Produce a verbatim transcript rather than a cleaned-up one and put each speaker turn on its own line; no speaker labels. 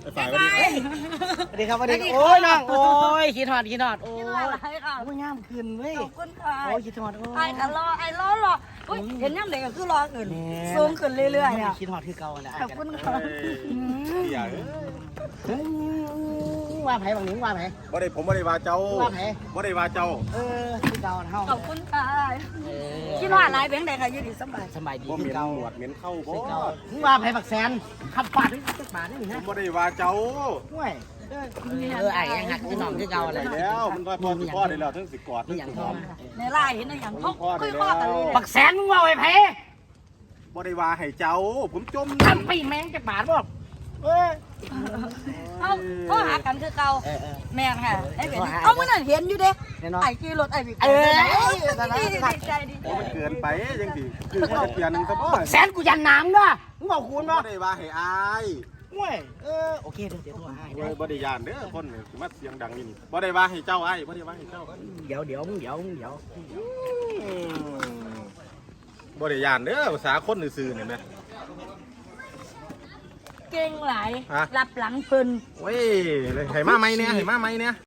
ฝ่ายวันนี้
สวัสดีครับสวัสดีโอ้ยน้องโอ้ยคิดฮอดคิดฮอดโอ้ย
คิดว่าอะไรค่ะ
โอ้ยงามขึ้นเว้ย
ขอบคุณค่ะ
โอ้ยคิดฮอดโอ้ย
ไอ้ก็รอไอ้รอรออุ้ยเห็นย่ำเด็กก็คือรอขึ้นสูงขึ้นเรื่อยๆอ่ะ
คิดฮอดคือเก่าแหละ
ขอบคุณค่ะ
อย่า
เฮ้ยว่าไผบางหนิงว่าไผ
บ่ได้ผมบ่ได้ว่าเจ้า
ว่าไผ
บ่ได้ว่าเจ้า
เออคือเก่าเฮา
ขอบคุณค่ะ
เออ
คิดว่าอะไรเบ้งเด็กค่ะยืดดีสบาย
สบายดี
บ่เห
คื
ม็
อน เก่า
หนวดเหม็นเข้าบ่
คือเก่ามึงว่าไผบักแสนขับปาดนี่จักบาทนี่
ผ
ฮะ
มบ่ได้ว่าเจ้า
ห่วยเออเออไอ้ยังหักคือน้องคือเก่าแห
ได้
ละ
แล้วมันก็พอสิพ่อได้แล้วทั้งสิกอดทั้ง
อย่าง
สิ
พ่
ห
อ
อม
ในไล่เห็นอย่างเขาคุยข้อกันเลย
บักแสนมึงว่าไอ้ไผ
บ่ได้ว่าให้เจ้าผมจม
ทำปีแมงจักบาทบ่เออ
เขาเขาหากันคือเก่า
เออเออ
แม่นค่ะไอ้เป็นเอาเมื่อนั้นเห็นอยู่เด้
แน่นอน
ไอ้ขี่รถไอ้บิ๊ก
เออ
ดีใจดี
โอ้มันเกินไปจังสิคือเขาจะเปลี่ยนหนึงซะบ่
แสนกูยันน้ำด้วยมึงบอกคูณ
บ่
บ่
ได้ว่าให้อาย
ห่วยเออโอเคเดี๋ยวเดี๋ยวโทรหาให้
โอ้
ได้
ยบ่ได้ย่านเด้อคนนี่สิมาเสียงดังนี่นี่บ่ได้ว่าให้เจ้าอ้ายบ่ได้ว่าให้เจ้า
เดี๋ยวเดี๋ยวมึงเดี๋ยวมึงเดี๋ยว
อืมบ่ได้ย่านเด้อภาษาคนซื่อๆนี่แม่
เก่งหลาย
ฮะ
รับหลังเพิ่น
เว้ยเลยให้มาไหมเนี่ยให้มาไหมเนี่ย